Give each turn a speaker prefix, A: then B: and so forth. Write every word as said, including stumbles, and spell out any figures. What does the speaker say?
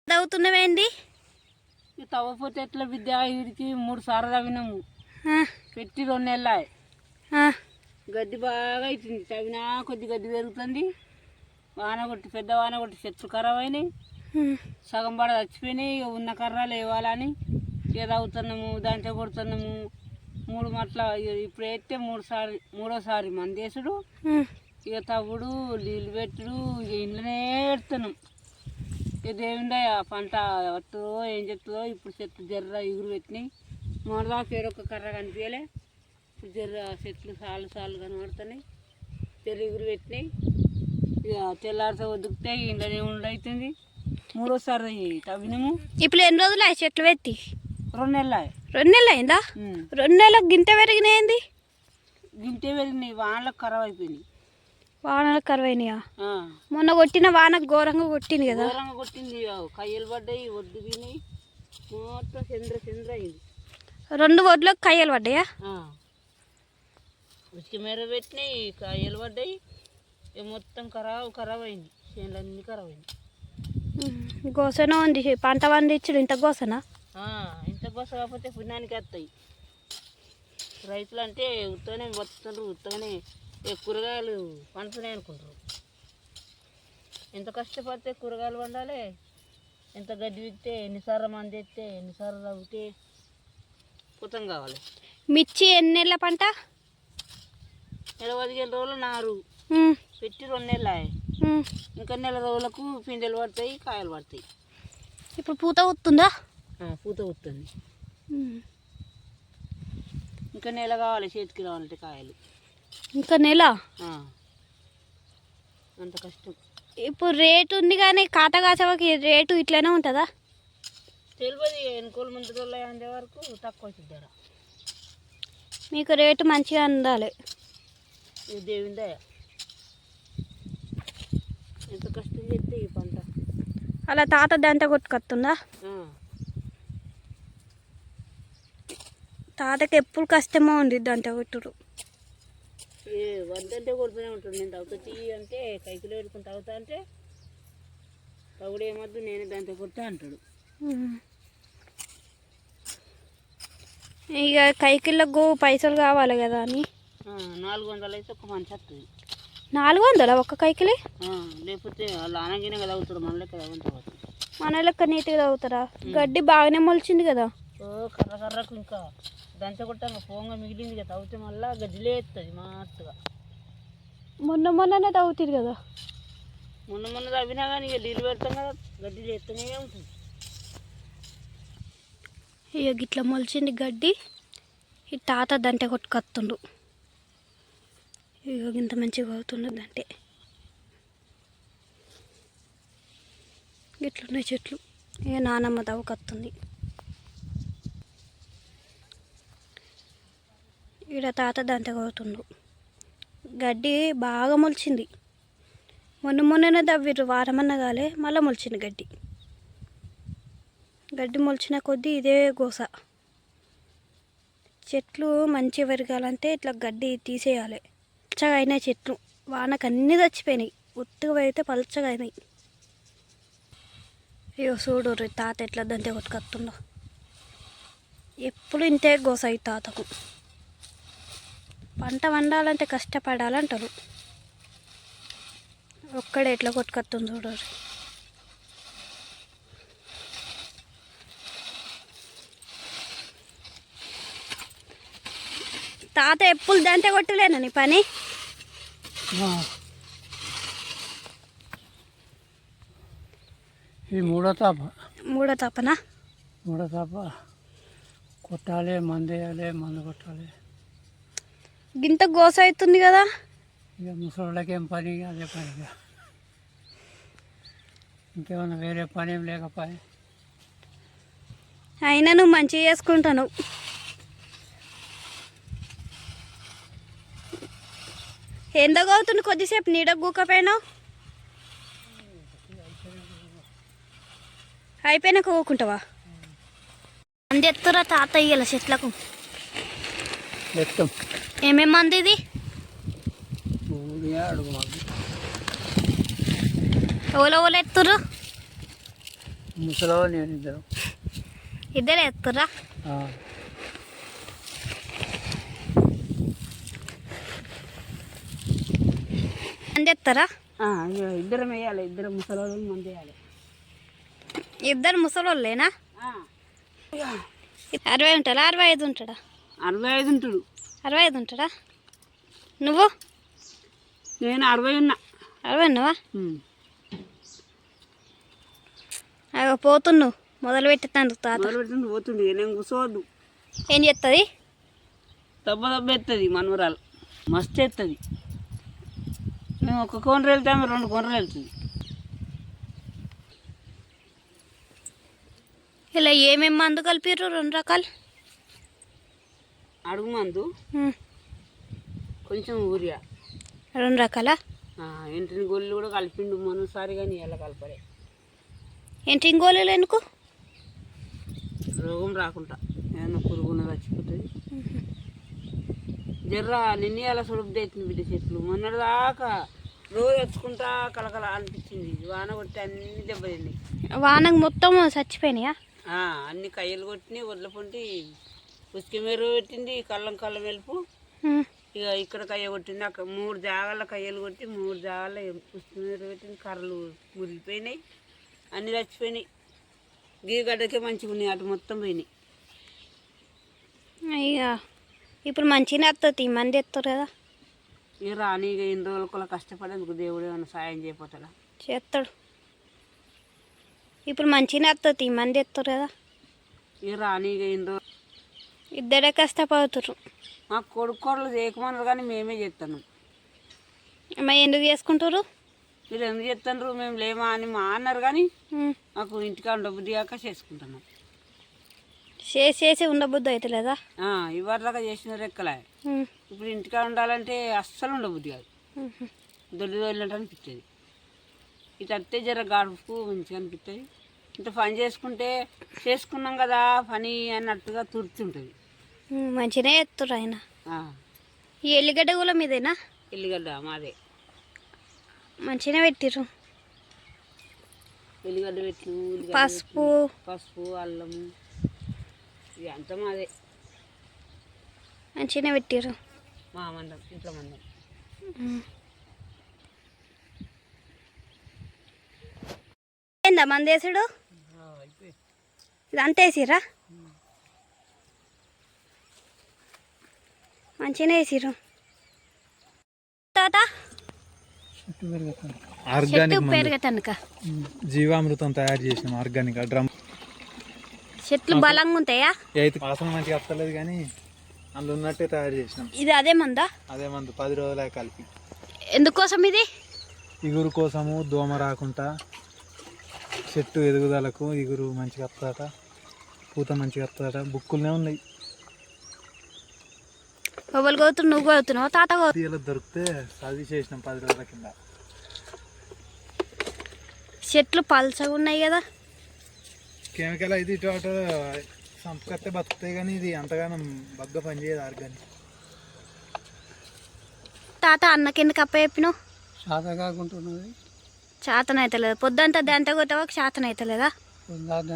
A: చదువుతున్నావేంది?
B: తవ్వపోతే ఎట్లా విద్య వీడికి మూడు సార్లు తవ్వినాము పెట్టి రెండు నెలలు గడ్డి బాగా అవుతుంది. తవ్వినా కొద్ది గడ్డి పెరుగుతుంది. వాన కొట్టి పెద్ద వాన కొట్టి చెట్లు ఖరాబ్ అయినాయి. సగం పడ చచ్చిపోయినాయి. ఇక ఉన్న కర్రలు వేయాలని ఇక తవ్వుతున్నాము, దాంట్లో కొడుతున్నాము. మూడు మట్ల ఇప్పుడు వేస్తే మూడు సారి మూడోసారి మందేసుడు, ఇక తవ్వుడు, నీళ్ళు పెట్టుడు, ఇక ఇంట్లోనే పెడుతున్నాం. ఇక దేవుండే ఆ పంట వస్తుందో ఏం చెప్తుందో. ఇప్పుడు చెట్లు జర్ర ఎగురు పెట్టినాయి. మొదదాకా ఏడొక్క కర్ర కనిపించలే. ఇప్పుడు జర్ర చెట్లు సాలు సాలు కనబడుతున్నాయి. జర్ర ఎగురు పెట్టినాయి. ఇక తెల్లారితో వదుకుతాయి. ఇంట్లోనే ఉండవుతుంది. మూడోసారి తవ్వినాము.
A: ఇప్పుడు ఎన్ని రోజులు అయ్యి చెట్లు పెట్టి?
B: రెండు నెలలు
A: రెండు నెలలు అయిందా? రెండు నెలలకు గింట పెరిగినాయింది.
B: గింటే పెరిగినాయి. వానలకు ఖరాబ్ అయిపోయినాయి.
A: వానలకు ఖరాబ్ అయినాయా? మొన్న కొట్టిన వానకు ఘోరంగా కొట్టింది కదా?
B: ఘోరంగా కొట్టింది. కయ్యలు పడ్డాయి, ఒడ్డు తినాయి, మొత్తం చంద్ర చంద్ర అయింది.
A: రెండు ఒడ్లకు కయ్యలు పడ్డాయా?
B: ఉచిక మేర పెట్టినాయి, కాయలు పడ్డాయి. మొత్తం ఖరాబ్ ఖరాబ్ అయింది. చేనులన్నీ ఖరాబ్ అయింది.
A: గోసన ఉంది. పంట పండించుడు ఇంత గోసనా?
B: ఇంత గోస కాకపోతే పుణ్యానికి వస్తాయి. రైతులు అంటే ఉత్తగానే బతుకుతారు. ఉత్తగానే కూరగాయలు పండుతున్నాయి అనుకుంటారు. ఎంత కష్టపడితే కూరగాయలు పండాలి. ఎంత గడ్డి విత్తే, ఎన్నిసార్లు మంది ఎత్తే, ఎన్నిసార్లు తవ్వితే పుతం కావాలి.
A: మిర్చి ఎన్ని నెలల పంట?
B: నెల పదిహేను రోజులు నారు పెట్టి రెండు నెలలు అయ్యాయి. ఇంకా నెల రోజులకు పిందెలు పడతాయి, కాయలు పడతాయి.
A: ఇప్పుడు పూత వస్తుందా?
B: పూత వస్తుంది. ఇంకా నెల కావాలి చేతికి రావాలంటే కాయలు. ఇంకా
A: నెల?
B: అంత కష్టం.
A: ఇప్పుడు రేటు ఉంది కానీ కాటగాచవకి రేటు ఇట్లనే ఉంటుందా?
B: తెలియదు. ఎన్నికోలు ముందు రోజులు అందే వరకు తక్కువ అవుతుంది ధర.
A: మీకు రేటు మంచిగా అందాలి.
B: దేవుందా ఎంత కష్టం చేస్తే ఈ పంట.
A: అలా తాత దంత కొట్టుకొస్తుందా? తాతకి ఎప్పుడు కష్టమో ఉంది దంత కొట్టుడు.
B: ఏ వద్దంటే కొడుతూనే ఉంటాడు. నేను తవ్వుతా తీ అంటే కైకిలో పెట్టుకుని తవ్వుతా అంటే తవ్వుడు ఏమద్దు నేనే దంత కొడతా అంటాడు.
A: ఇక కైకిళ్ళకు పైసలు కావాలి కదా అని
B: నాలుగు వందలు అయితే ఒక మంచి వస్తుంది.
A: నాలుగు వందల ఒక్క కైకిలి?
B: లేకపోతే వాళ్ళు ఆనగిన కదా అవుతారు. మన లెక్క తగ్గుతారు.
A: మన లెక్క నీట్గా తగ్గుతారా? గడ్డి బాగానే మొలిచింది కదా?
B: ఓ కర్ర కర్రకు ఇంకా దంచ కొట్టాక పోంగా మిగిలింది కదా. తవ్వుతే మళ్ళీ గడ్డిలే ఎత్తుంది మస్తుగా.
A: మొన్న మొన్ననే తవ్వుతుంది కదా?
B: మొన్న మొన్న తవ్వినా కానీ ఇక నీళ్ళు పెడతాం కదా, గడ్డిలు ఎత్తనే ఉంటుంది.
A: ఇక గిట్లా మొలిచింది గడ్డి. ఈ తాత దంటే కొట్టుకొస్తుండు. ఇక ఇంత మంచిగా అవుతుండదు అంటే గిట్లున్నాయి చెట్లు. ఇక నానమ్మ తవ్వుకొస్తుంది. ఈడ తాత దంత కొడుతుండు. గడ్డి బాగా మొలిచింది. మొన్న మొన్ననే తవ్విర్రు, వారమన్నా కాలే మళ్ళీ మొలిచింది గడ్డి. గడ్డి మొలిచిన కొద్దీ ఇదే గోస. చెట్లు మంచిగా పెరగాలంటే ఇట్లా గడ్డి తీసేయాలి. పచ్చగా అయినాయి చెట్లు. వానకు అన్నీ చచ్చిపోయినాయి. ఉత్తుగా అయితే పలచగా అయినాయి. అయ్యో చూడు తాత ఎట్లా దంతే కొట్టుకొస్తుందో. ఎప్పుడు ఇంతే గోస అయి తాతకు. పంట వండాలంటే కష్టపడాలంటారు. ఒక్కడే ఎట్లా కొట్టుకొస్తుంది చూడు. తాత ఎప్పుడు దంతే కొట్టలేనా నీ పని?
B: ఈ మూడో తాప.
A: మూడో తాపనా?
B: మూడో తాప కొట్టాలి, మందు వేయాలి, మందు కొట్టాలి.
A: గింత గోస అవుతుంది కదా.
B: ఇక ముసలిళ్ళకి ఏం పని, అదే పని. ఇంకేమన్నా వేరే పని ఏం లేకపోయి.
A: అయినా నువ్వు మంచిగా చేసుకుంటాను. ఎందగా అవుతుంది కొద్దిసేపు నీడ గూకపోయినావు. అయిపోయినాక ఊకుంటావా? మంది ఎత్తురా తాత ఇయ్యాల చెట్లకు. ఏమేమి మంది ఇది? ఎవరో ఎవరు ఎత్తురు?
B: ముసలో నేను ఇద్దరు
A: ఇద్దరే ఎత్తురా మంది ఎత్తారా?
B: ఇద్దరం వేయాలి, ఇద్దరు ముసలోళ్ళు మంది వేయాలి.
A: ఇద్దరు ముసలోళ్ళేనా? అరవై ఉంటాడా అరవై ఐదు ఉంటాడా?
B: అరవై ఐదు ఉంటాడు.
A: అరవై ఐదు ఉంటాడా? నువ్వు?
B: నేను అరవై ఉన్నా.
A: అరవై ఉన్నావా? అవి పోతున్నావు మొదలు పెట్టేస్తాను తాత.
B: మొదలు పెట్టింది పోతుంది, నేను కూర్చోవద్దు.
A: ఏం చేస్తుంది?
B: దెబ్బ దెబ్బ ఎత్తుంది మనవరాలు, మస్తు ఎత్తుంది. మేము ఒక కొనరు వెళ్తాము, రెండు కొనరు వెళ్తుంది.
A: ఇలా ఏమేమి మందు కలిపిర్రు? రెండు రకాలు
B: అడుగు మందు, కొంచెం ఊరియా.
A: రెండు రకాల
B: ఎంటిని గోళ్ళు కూడా కలిపిండు మనసారి, కానీ ఎలా కలపలే.
A: ఏంటి ఇంగోలు ఎందుకు?
B: రోగం రాకుండా ఏమన్నా పురుగున చచ్చిపోతుంది. జర్ర నిన్న అలా సుడుపు అవుతుంది బిడ్డ చెట్లు. మొన్నటి దాకా రోజు వచ్చుకుంటా కలకల అనిపించింది. వాన కొట్టి అన్ని దెబ్బతింది.
A: వానకు మొత్తం చచ్చిపోయినాయా?
B: అన్ని కయ్యలు కొట్టినాయి, వడ్ల పొంటి ఉసుక మెరుగు పెట్టింది, కళ్ళం కళ్ళం వెలుపు. ఇక ఇక్కడ కయ్య కొట్టింది, అక్కడ మూడు జాగాల కయ్యలు కొట్టి మూడు జాగాల ఉసుక మెరుగు పెట్టింది. కర్రలు మురిగిపోయినాయి, అన్నీ చచ్చిపోయినాయి. గీగడ్డకే మంచిగా ఉన్నాయి, అటు మొత్తం పోయినాయి.
A: అయ్యా ఇప్పుడు మంచిగా వస్తుంది, మంది ఎత్తారు కదా.
B: ఇక రాని ఇక ఎన్ని రోజులు కూడా కష్టపడేందుకు దేవుడు ఏమైనా సాయం చేయపోతాడా?
A: చేస్తాడు. ఇప్పుడు మంచిగా వస్తుంది, మంది ఎత్తారు కదా.
B: ఇక రాని ఇక ఎన్ని రోజులు
A: ఇద్దరే కష్టపడుతురు.
B: మా కొడుకు కోడలు చేయకమన్నారు కానీ మేమే చేస్తాను.
A: మరి ఎందుకు చేసుకుంటారు?
B: మీరు ఎందుకు చేస్తున్నారు, మేము లేమా అని మా అన్నారు, కానీ మాకు ఇంటికాడ డబ్బుది కాక చేసుకుంటున్నాం.
A: చేసి చేసి ఉండబుద్ధి అవుతలేదా?
B: ఇవాళగా చేసిన రెక్కలే. ఇప్పుడు ఇంటికాడ ఉండాలంటే అస్సలు ఉండబుద్ధి కాదు, దొడ్డి దొడ్లంటే అనిపిస్తుంది. ఇటు అత్తే జర గడుపుకు మంచిగా అనిపిస్తుంది. ఇంత పని చేసుకుంటే చేసుకున్నాం కదా పని అన్నట్టుగా తుడుతుంటుంది.
A: మంచిగానే ఎత్తురు ఆయన. ఈ ఎల్లిగడ్డ కూడా మీదేనా?
B: ఎల్లిగడ్డ మాదే.
A: మంచిగానే పెట్టిర్రు.
B: ఎల్లిగడ్డ పెట్టు,
A: పసుపు
B: పసుపు అల్లము ఇది అంతా మాదే.
A: మంచిగానే పెట్టిర్రు.
B: మా మందం, ఇంట్లో మందం.
A: ఏందా మంది వేసుడు? ఇది అంత వేసిర్రా? మంచిగానే వేసిర్రు. తాత
C: ఆర్గానిక్
A: పెరగటానిక
C: జీవామృతం తయారు చేసినాం. ఆర్గానిక్ డ్రమ్
A: చెట్లు బలంగా ఉంటాయా?
C: అయితే వాసన మంచిగా వస్తలేదు కానీ అందులో ఉన్నట్టే తయారు చేసినాం.
A: ఇది అదే మందా?
C: అదే మందు పది రోజులే కలిపి.
A: ఎందుకోసం ఇది?
C: ఇగురు కోసము, దోమ రాకుండా, చెట్టు ఎదుగుదలకు ఇగురు మంచిగా వస్తుందట, పూత మంచిగా వస్తుందట. బుక్కులనే ఉన్నాయి.
A: ఎవరు కోతురు? నువ్వు కోతున్నావు? తాత
C: ఇలా దొరికితే చదివి చేసినాం పది రోజుల కింద.
A: చెట్లు పల్చగా ఉన్నాయి కదా.
C: కెమికల్ అయితే ఇటు అటు సంపకత్తే బతుకుతాయి కానీ ఇది అంతగానం బగ్గ పనిచేయదు ఆర్గానిక్.
A: తాత అన్నకి ఎందుకు అప్ప చెప్పినావు?
B: శాత కాకుంటున్నది.
A: శాతం అవుతలేదు. పొద్దుంతా దంత కొట్టవా శాతం అవుతలేదా?